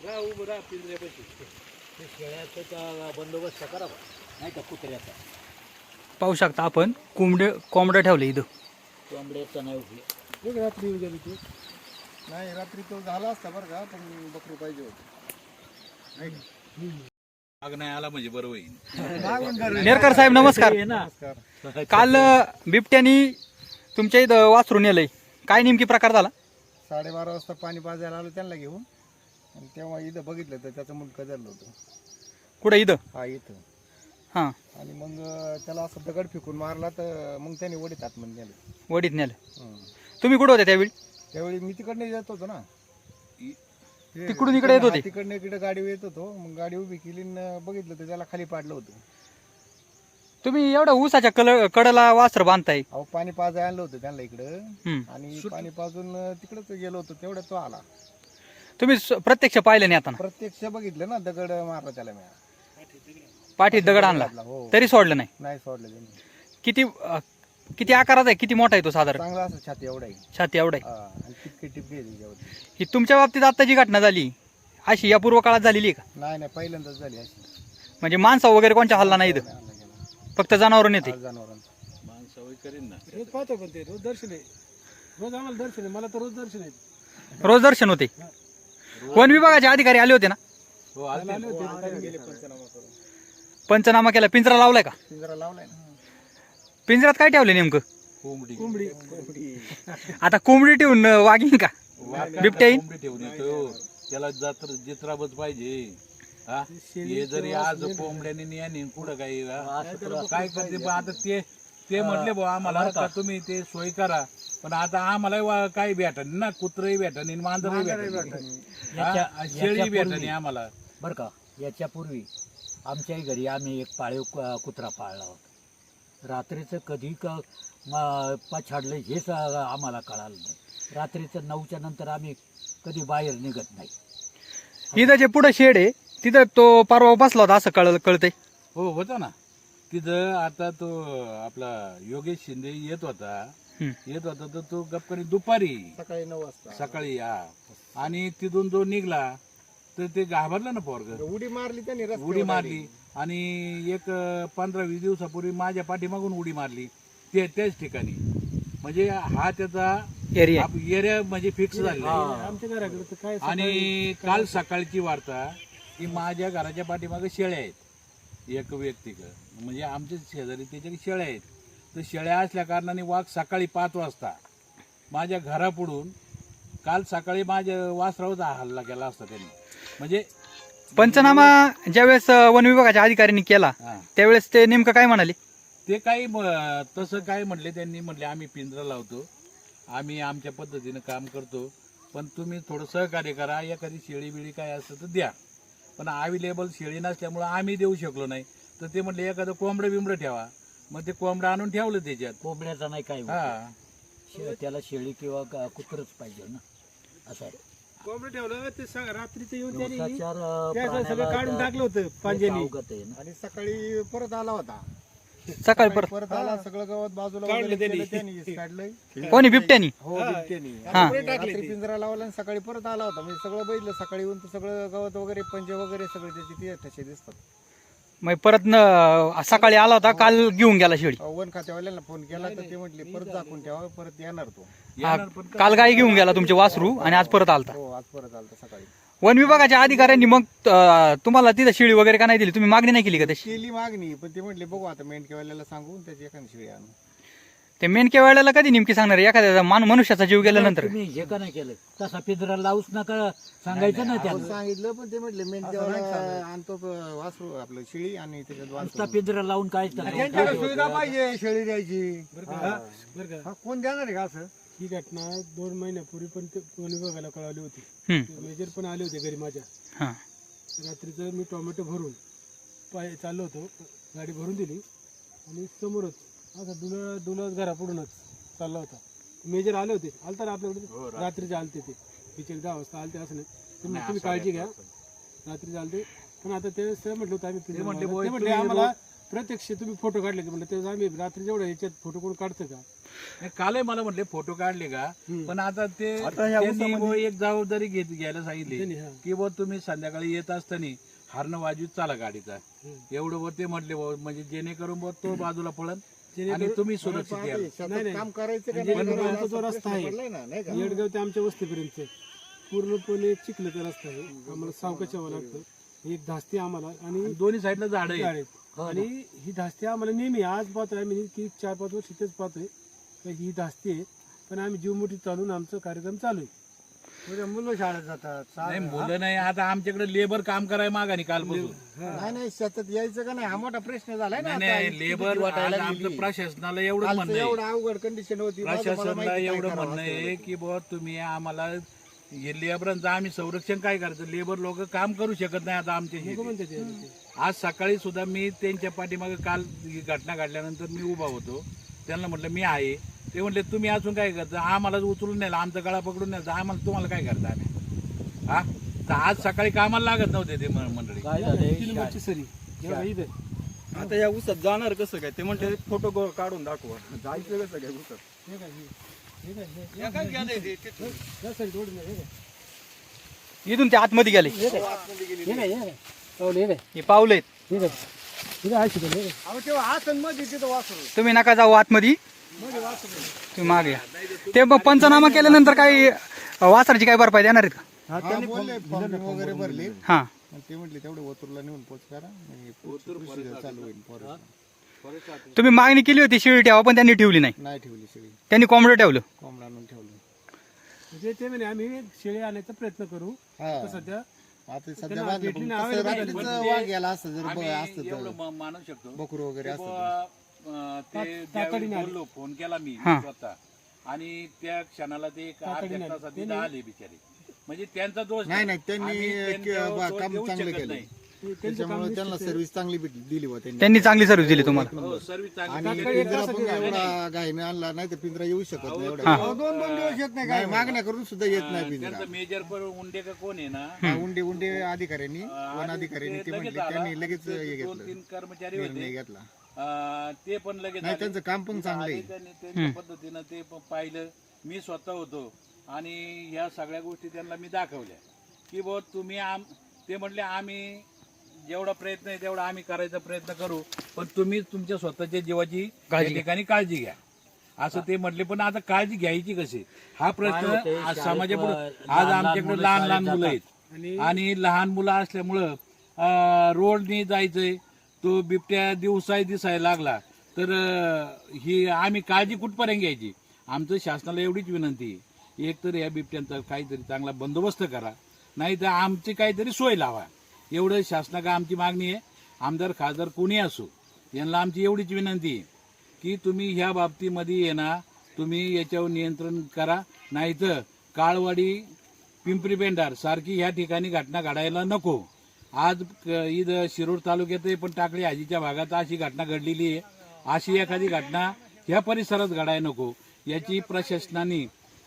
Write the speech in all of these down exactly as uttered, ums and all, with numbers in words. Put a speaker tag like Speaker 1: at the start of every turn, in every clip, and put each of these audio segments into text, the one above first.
Speaker 1: शेळ्याचा बंदोबस्त करावा नाही का कुत्र्याचा.
Speaker 2: पाहू शकता आपण कोंबडे कोंबड्या ठेवले इथं.
Speaker 1: कोंबड्याचा नाही उपयोग.
Speaker 3: रात्री गेली ती नाही, रात्री तो झाला असता बरं का, पण बकरू पाहिजे होतं नाही का.
Speaker 4: आग नाही आला म्हणजे बरं होईल.
Speaker 2: नेरकर साहेब नमस्कार.
Speaker 3: नमस्कार.
Speaker 2: काल बिबट्यानी तुमच्या इथं वासरून नेलंय, काय नेमकी प्रकार झाला?
Speaker 3: साडेबारा वाजता पाणी पाजायला आलो त्यांना घेऊन, आणि तेव्हा इथं बघितलं तर त्याचं मुंडकं धरलं होतं.
Speaker 2: कुठं इथं?
Speaker 3: हा इथं.
Speaker 2: हां,
Speaker 3: आणि मग त्याला असं दगड फेकून मारला तर मग त्याने वडीत आतमध्ये नेलं.
Speaker 2: वडीत नेलं.
Speaker 3: हं.
Speaker 2: तुम्ही कुठं होते त्यावेळी?
Speaker 3: त्यावेळी मी तिकडनं येत होतो ना,
Speaker 2: तिकडून इकडे येत होते?
Speaker 3: तिकडनं इकडे गाडी येत होतो. मग गाडी उभी केली आणि बघितलं तर त्याला खाली पाडलं होतं.
Speaker 2: तुम्ही एवढा ऊसाच्या कल कडला वासर बांधताय?
Speaker 3: अहो पाणी पाजायला आणलं होतं त्यांना इकडं,
Speaker 2: हं.
Speaker 3: आणि पाणी पाजून तिकडंच गेलो होतो. तेवढ्यात तो आला.
Speaker 2: तुम्ही स- प्रत्यक्ष पाहिलं नाही आता?
Speaker 3: प्रत्यक्ष बघितलं ना, दगड मारला त्याला मी.
Speaker 2: पाठीत दगड आणला
Speaker 3: हो.
Speaker 2: तरी सोडलं नाही?
Speaker 3: नाही सोडलं त्यांनी.
Speaker 2: किती अं, किती आकारात आहे? किती मोठा आहे तो साधारण?
Speaker 3: चांगला असं छाती एवढा आहे.
Speaker 2: छाती एवढा आहे?
Speaker 3: हा, आणि टिपके टिपके आहे त्याच्यावरती.
Speaker 2: ही तुमच्या बाबतीत आता जी घटना झाली अशी या पूर्व काळात झालेली आहे का?
Speaker 3: नाही नाही, पहिल्यांदाच झाली अशी.
Speaker 2: म्हणजे माणसा वगैरे कोणच्या हल्ला नाही इथं,
Speaker 3: नाही, नाही गेला.
Speaker 2: फक्त जनावरून येते?
Speaker 3: आज जनावरांचं.
Speaker 4: माणसावय करीन ना.
Speaker 5: रोज पाहतो पण ते रोज दर्शन आहे. रोज आम्हाला दर्शन आहे. मला तर रोज दर्शन आहे.
Speaker 2: रोज दर्शन होते. वन विभागाचे अधिकारी आले होते ना?
Speaker 4: हो आले
Speaker 5: आले होते.
Speaker 3: आता गेले पंचनामा करून.
Speaker 2: पंचनामा केला, पिंजरा लावलाय का?
Speaker 3: पिंजरा लावलाय ना.
Speaker 2: पिंजऱ्यात काय ठेवले नेमकं?
Speaker 4: कोंबडी
Speaker 5: कोंबडी
Speaker 2: आता कोंबडी ठेवून अं, वागीन का बिबट्या येईन?
Speaker 4: कोंबडी ठेवून येतो त्याला जात्र जित्राबच पाहिजे. हा हे जरी आज कोंबड्याने नाही आणि कुठं काही हा? काय करते बा आता ते ते म्हटले बा आम्हाला का तुम्ही ते सोय करा, पण आता आम्हाला वा- काही भेटन ना, कुत्रही भेटन मांजरही भेटन, शेळी भेटन आम्हाला.
Speaker 1: बरं का, याच्यापूर्वी आमच्याही घरी आम्ही एक पाळीव क- कुत्रा पाळला होता. रात्रीचं कधी क म- पछाडलं हेच आ- आम्हाला कळालं नाही. रात्रीचं नऊच्या नंतर आम्ही कधी बाहेर निघत नाही.
Speaker 2: इथं जे पुढे शेड आहे तिथं तो परवा बसला होता असं कळ कळतंय.
Speaker 4: हो होता ना तिथं. आता तो आपला योगेश शिंदे येत होता
Speaker 2: हं.
Speaker 4: येत होता तर तो गपकरी दुपारी
Speaker 3: सकाळी नऊ वाजता
Speaker 4: सकाळी हा, आणि तिथून जो निघला तर ते घाबरला ना पोरग,
Speaker 3: उडी मारली त्यांनी रस्त्यावर
Speaker 4: उडी
Speaker 3: direct.
Speaker 4: मारली. आणि एक पंधरा वीस दिवसापूर्वी माझ्या पाठीमागून उडी मारली ते त्याच ठिकाणी. म्हणजे हा त्याचा
Speaker 2: एरिया
Speaker 4: एरिया म्हणजे फिक्स झालेला आहे.
Speaker 5: आमच्या घराकडे तर काय
Speaker 4: आणि काल सकाळची वार्ता की माझ्या घराच्या पाठीमागे शेळ्या आहेत एक व्यक्तिक, म्हणजे आमच्या शेजारी त्याच्या शेळ्या आहेत. तर शेळ्या असल्या कारणाने वाघ सकाळी पाच वाजता माझ्या घरापुढून काल सकाळी माझ्या वासरावचा हल्ला केला असता त्यांनी. म्हणजे
Speaker 2: पंचनामा ज्यावेळेस अं, वन विभागाच्या अधिकाऱ्यांनी केला
Speaker 4: हा,
Speaker 2: त्यावेळेस ते नेमकं काय म्हणाले?
Speaker 4: ते काही म- तसं काय म्हटले त्यांनी, म्हटले आम्ही पिंजरा लावतो, आम्ही आमच्या पद्धतीनं काम करतो, पण तुम्ही थोडं सहकार्य करा, एखादी शेळी बिळी काय असतं तर द्या. पण अवेलेबल शेळी नसल्यामुळं आम्ही देऊ शकलो नाही. तर ते म्हटले एखादं कोंबडं बिंबडं ठेवा. मग ते कोंबडं आणून ठेवलं त्याच्यात.
Speaker 1: कोंबड्याचा नाही काय उपयोग.
Speaker 4: हा
Speaker 1: शे- त्याला शेळी किंवा ग- कुत्रच पाहिजे ना, असं आहे.
Speaker 5: कोंबडं ठेवलं ते स- रात्रीचं येऊन त्यांनी
Speaker 1: दिवसाचार, अं,
Speaker 5: त्या सगळं
Speaker 1: प्राण्याला
Speaker 5: काढून
Speaker 1: त्या-
Speaker 5: टाकलं होतं
Speaker 1: ते
Speaker 5: पांजेनी.
Speaker 1: अवगत आहे ना.
Speaker 3: आणि सकाळी परत आला होता.
Speaker 2: सकाळी परत
Speaker 3: परत आला, सगळं गवत बाजूला
Speaker 5: काढलं
Speaker 3: वगैरे
Speaker 5: त्यांनी.
Speaker 3: केलं त्यांनी, काढलंय.
Speaker 2: कोणी बिबट्यानी?
Speaker 3: हो बिबट्यानी.
Speaker 2: हा.
Speaker 3: आणि रात्री पिंजरा लावला आणि सकाळी परत आला होता. म्हणजे सगळं बघितलं सकाळी येऊन तर सगळं गवत वगैरे पंजे वगैरे सगळे त्याचे ते ठसे दिसतात.
Speaker 2: मग परत न सकाळी आला होता, काल घेऊन गेला शेळी.
Speaker 3: वन खात्यावाल्यांना फोन केला तर ते म्हटले परत दाखवून ठेवा, परत येणार तो.
Speaker 2: हा, काल गाई घेऊन गेला तुमचे वासरू आणि आज परत आलता.
Speaker 3: हो आज परत आलता सकाळी.
Speaker 2: वन विभागाच्या अधिकाऱ्यांनी मग अं, तुम्हाला तिथं शेळी वगैरे का नाही दिली? तुम्ही मागणी नाही केली का तशी?
Speaker 3: केली मागणी, पण ते म्हटले बघू आता मेंढकेवाल्याला सांगून त्याची एखादी शिळी आणू.
Speaker 2: ते मेनके वेळेला कधी नेमकी सांगणार? एखाद्या मान मनुष्याचा जीव गेल्यानंतर
Speaker 1: तुम्ही हे का नाही केलं? तसा पिंजरा लावूच नका सांगायचं ना
Speaker 3: आपण
Speaker 1: त्यांना.
Speaker 3: सांगितलं पण ते म्हटले मेंढकेवाला आणतो प- वासरू आपलं शिळी आणि त्याच्यात
Speaker 1: नुसता
Speaker 3: वासरू.
Speaker 1: पिंजरा लावून काय
Speaker 3: त्यांच्याकडे सुविधा पाहिजे शेळी द्यायची.
Speaker 5: बरं का बरं का
Speaker 3: हा, कोण देणार आहे का असं?
Speaker 5: ही घटना दोन महिन्यापूर्वी पण ते वन विभागाला कळाली होती.
Speaker 2: हम्म.
Speaker 5: ते मेजर पण आले होते घरी माझ्या.
Speaker 2: हा.
Speaker 5: रात्रीचं मी टोमॅटो भरून पाय चाललो होतो, गाडी भरून दिली आणि समोरच असं डुलत डुलत घरापुढूनच चालला होता. मेजर आले होते, आलता ना आपल्याकडे रात्रीचे आलते ते तिचे दहा वाजता आलते. असं नाही तुम्ही तुम्ही काळजी घ्या, रात्री चालते. पण आता ते सर म्हटलं होतं आम्ही पिंजरा
Speaker 4: म्हटले
Speaker 5: लावला.
Speaker 4: बुवा,
Speaker 5: ते म्हटले
Speaker 4: तुम्ही
Speaker 5: आम्हाला प्रत्यक्ष तुम्ही फोटो काढले का? म्हटलं ते आम्ही रात्री जेवढं याच्यात फोटो कोण काढतं का?
Speaker 4: नाही, कालही मला म्हटले फोटो काढले का,
Speaker 5: हम्म.
Speaker 4: पण आता ते
Speaker 3: आता ह्या
Speaker 4: त्यांनी
Speaker 3: ऊसामध्ये-
Speaker 4: बुवा एक जबाबदारी घेत घ्यायला सांगितली
Speaker 5: त्यांनी, हा.
Speaker 4: की बुवा तुम्ही संध्याकाळी येत असताना हरणं वाजवीत चाला गाडीचा,
Speaker 5: हम्म.
Speaker 4: एवढं बुवा ते म्हटले बुवा, म्हणजे जेणेकरून बुवा तो बाजूला पळन आणि
Speaker 5: जेणेकरून-
Speaker 4: तुम्ही सुरक्षित याल.
Speaker 5: नाही,
Speaker 3: शेतात
Speaker 5: नाही.
Speaker 3: काम करायचं का
Speaker 5: आणि
Speaker 3: नाही
Speaker 5: जेणेकरून
Speaker 3: करायचं
Speaker 5: आमचा जो
Speaker 3: असा
Speaker 5: रस्ता
Speaker 3: प्रश्न
Speaker 5: आहे,
Speaker 3: पडलाय ना, नाही का?
Speaker 5: येडगाव ते आमच्या वस्तीपर्यंत पूर्णपणे चिखलाचा रस्ता आहे. आम्हाला सावकाश यावं लागतं. एक धास्ती आम्हाला आणि
Speaker 4: आणि दोन्ही साईडला झाड
Speaker 5: झाड
Speaker 4: आहे.
Speaker 5: आहेत. आणि ही धास्ती आम्हाला नेहमी आज पाहतोय आम्ही की चार पाच वर्ष इथेच पाहतोय का ही धास्ती आहे, पण आम्ही जीवमुठी चालून आमचा कार्यक्रम चालू आहे.
Speaker 1: मुलं शाळेत जातात
Speaker 4: नाही मुलं नाही, आता आमच्याकडे लेबर काम करायला मागानी कालपासून.
Speaker 3: नाही नाही शेतात यायचं का नाही हा मोठा प्रश्न झालाय ना
Speaker 4: नाही
Speaker 3: आता.
Speaker 4: नाही
Speaker 3: इतकी
Speaker 4: लेबर
Speaker 3: भीती वाटायला
Speaker 4: आज
Speaker 3: लागली.
Speaker 4: आमचं प्रशासनाला एवढं
Speaker 3: कालचं
Speaker 4: म्हणणं
Speaker 3: एवढं
Speaker 4: आहे,
Speaker 3: अवघड कंडिशन होती माझं मला
Speaker 4: प्रशासनाला
Speaker 3: माहिती काय
Speaker 4: एवढं
Speaker 3: करावं
Speaker 4: म्हणणं
Speaker 3: असं
Speaker 4: आहे
Speaker 3: होतं.
Speaker 4: की बुवा तुम्ही आम्हाला हे लेबरांचं आम्ही संरक्षण काय करायचं, लेबर लोक काम करू शकत नाही आता आमच्या
Speaker 5: नको
Speaker 4: शेतीत.
Speaker 5: म्हणते ते आधी ते.
Speaker 4: आज सकाळी सुद्धा मी त्यांच्या पाठीमागे काल ही घटना घडल्यानंतर मी उभा होतो, त्यांना म्हटलं मी आहे, ते म्हटले तुम्ही अजून काय करता, आम्हाला उचलून नेलं, आमचा गळा पकडून नेलं, आम्हाला तुम्हाला काय करता आम्ही, हा तर आज सकाळी कामाला लागत नव्हते ते म- मंडळी.
Speaker 1: काय
Speaker 5: तीन
Speaker 1: झालंय
Speaker 5: नंबरची सरी एवढं इथं.
Speaker 3: आता या ऊसात जाणार कसं काय ते म्हणते फोटो काढून दाखवा जायचं कसं काय ऊसात
Speaker 5: हे काय हे? हे काय हे? या साईड रोड नाही, हे काय?
Speaker 2: इथून ते आतमध्ये गेले
Speaker 5: हे काय? हे काय? हे काय? पाऊलं, हे काय?
Speaker 2: हे पावलं आहेत.
Speaker 5: हे काय? हे काय? आहे शिकवलं, हे काय?
Speaker 3: अहो तेव्हा आसन मध्ये तिथं वासरू
Speaker 2: तुम्ही नका जाऊ आतमध्ये, तुम्ही मागे या. ते मग पंचनामा केल्यानंतर काही वासराची काय भरपाई देणार आहेत का?
Speaker 3: हा बोलले फॉर्म वगैरे भरले
Speaker 2: हा
Speaker 3: आणि ते म्हटले तेवढे ओतूरला नेऊन पोच करा म्हणजे पुढची procedure चालू होईल फॉरेस्ट
Speaker 2: तुम्ही मागणी केली होती शिळी ठेवा, पण त्यांनी ठेवली नाही,
Speaker 3: नाही ठेवली सगळी
Speaker 2: त्यांनी कोंबडं ठेवलं.
Speaker 3: कोंबडा आणून ठेवलं
Speaker 5: म्हणजे ते म्हणे आम्ही शेळी आणायचा प्रयत्न करू.
Speaker 3: हा
Speaker 5: तर सध्या
Speaker 3: आता सध्या
Speaker 5: त्यांना
Speaker 3: बाजूला
Speaker 5: भेटली
Speaker 3: पण
Speaker 5: नाही,
Speaker 3: तसं
Speaker 5: available
Speaker 3: रात्रीचं
Speaker 4: झाली.
Speaker 3: वाघ गेला असतं जर
Speaker 4: आम्ही
Speaker 3: ब- असतं
Speaker 4: एवढं
Speaker 3: तर
Speaker 4: म- मानू शकतो
Speaker 3: बकरू वगैरे
Speaker 4: की
Speaker 3: असतं
Speaker 4: बुवा, अं, ते
Speaker 5: ता-
Speaker 4: ज्यावेळी
Speaker 5: तातडीने आले.
Speaker 4: बोललो फोन केला मी
Speaker 2: हा.
Speaker 4: स्वतः आणि त्या क्षणाला ते एक
Speaker 5: तातडीने
Speaker 4: अर्ध्या
Speaker 5: आले.
Speaker 4: तासात इथं आले बिचारे, म्हणजे त्यांचा दोष
Speaker 3: नाही नाही त्यांनी
Speaker 4: आम्ही त्यांच्यावर
Speaker 3: क- बा-
Speaker 4: दोष
Speaker 3: काम
Speaker 4: देऊ
Speaker 3: चांगलं
Speaker 4: शकत
Speaker 3: केलं
Speaker 4: नाही.
Speaker 5: ते- त्यांचं
Speaker 3: त्याच्यामुळे
Speaker 5: काम
Speaker 3: त्यांना
Speaker 5: निश्चित आहे.
Speaker 3: सर्व्हिस चांगली भेटली दिली बा त्यांनी
Speaker 2: त्यांनी चांगली सर्व्हिस दिली तुम्हाला.
Speaker 4: हो सर्विस चांगली
Speaker 3: आणि
Speaker 4: केली.
Speaker 5: तात्काळ
Speaker 3: पिंजरा
Speaker 5: एका
Speaker 3: पण
Speaker 5: सगळ्या
Speaker 3: एवढा घाईने आणला नाही तर पिंजरा येऊ शकत नाही
Speaker 4: अहो,
Speaker 3: एवढा
Speaker 4: तो,
Speaker 3: दोन दोन दिवस येत नाही काय मागण्या करून सुद्धा येत नाही पिंजरा
Speaker 4: त्यांचं मेजर पर उंडे का कोण आहे ना,
Speaker 3: हा, उंडे उंडे अधिकाऱ्यांनी वन
Speaker 4: आणि
Speaker 3: अधिकाऱ्यांनी ते
Speaker 4: लगेच
Speaker 3: म्हटले
Speaker 4: आला.
Speaker 3: त्यांनी लगेच
Speaker 4: ते
Speaker 3: हे
Speaker 4: दोन
Speaker 3: घेतलं
Speaker 4: तीन कर्मचारी
Speaker 3: निर्णय
Speaker 4: होते,
Speaker 3: घेतला
Speaker 4: अं, ते पण लगेच
Speaker 3: नाही
Speaker 4: आले.
Speaker 3: त्यांचं काम पण चांगलं
Speaker 4: आले
Speaker 3: आहे
Speaker 4: त्यांनी त्यांच्या पद्धतीनं ते प- पाहिलं, मी स्वतः होतो आणि ह्या सगळ्या गोष्टी त्यांना मी दाखवल्या की बुवा तुम्ही आम ते म्हटले आम्ही जेवढा प्रयत्न आहे तेवढा आम्ही करायचा प्रयत्न करू, पण तुम्ही तुमच्या स्वतःच्या जीवाची त्या ठिकाणी काळजी घ्या असं ते म्हटले. पण आता काळजी घ्यायची कशी हा प्रश्न
Speaker 1: होतंय,
Speaker 4: आज
Speaker 1: शाळेत
Speaker 4: समाजापुढे
Speaker 1: लहान
Speaker 4: आज
Speaker 1: लहान
Speaker 4: आमच्याकडे
Speaker 1: मुलं
Speaker 4: लहान लहान
Speaker 1: शाळेत
Speaker 4: मुलं आहेत
Speaker 5: आणि
Speaker 4: आणि लहान मुलं असल्यामुळं अं, रोडनी जायचंय, तो बिबट्या दिवसाय दिसायला लागला तर अं, ही आम्ही काळजी कुठपर्यंत घ्यायची. आमचं शासनाला एवढीच विनंती आहे, एक तर या बिबट्यांचा काहीतरी चांगला बंदोबस्त करा, नाही तर आमची काहीतरी सोय लावा, एवढं शासनाला आमची मागणी आहे. आमदार खासदार कोणी असो यांना आमची एवढीच विनंती आहे की तुम्ही ह्या बाबतीमध्ये ये ना, तुम्ही याच्यावर नियंत्रण करा, नाहीतर काळवाडी पिंपरी पेंढार सारखी ह्या ठिकाणी घटना घडायला नको. आज क- इथं शिरूर तालुक्यात पण टाकळी हाजीच्या भागात अशी घटना घडलेली आहे, अशी एखादी घटना ह्या परिसरात घडायला नको याची प्रशासनाने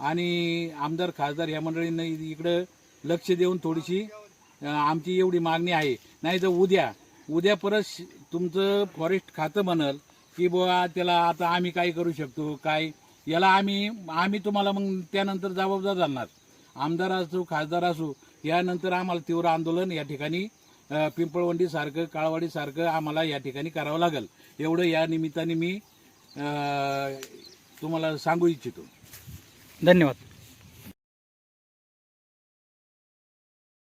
Speaker 4: आणि आमदार खासदार ह्या मंडळींनी इकडं लक्ष देऊन थोडीशी अं, आमची एवढी मागणी आहे. नाही तर उद्या उद्या परत श- तुमचं फॉरेस्ट खातं म्हणल की बुवा त्याला आता आम्ही काय करू शकतो, काय याला आम्ही आम्ही तुम्हाला मग त्यानंतर जबाबदार धरणार, आमदार असो खासदार असो, यानंतर आम्हाला तीव्र आंदोलन या ठिकाणी अं, पिंपळवंडी सारखं काळवाडी सारखं आम्हाला या ठिकाणी करावं लागेल, एवढं या निमित्ताने मी अं, तुम्हाला सांगू इच्छितो.
Speaker 2: धन्यवाद.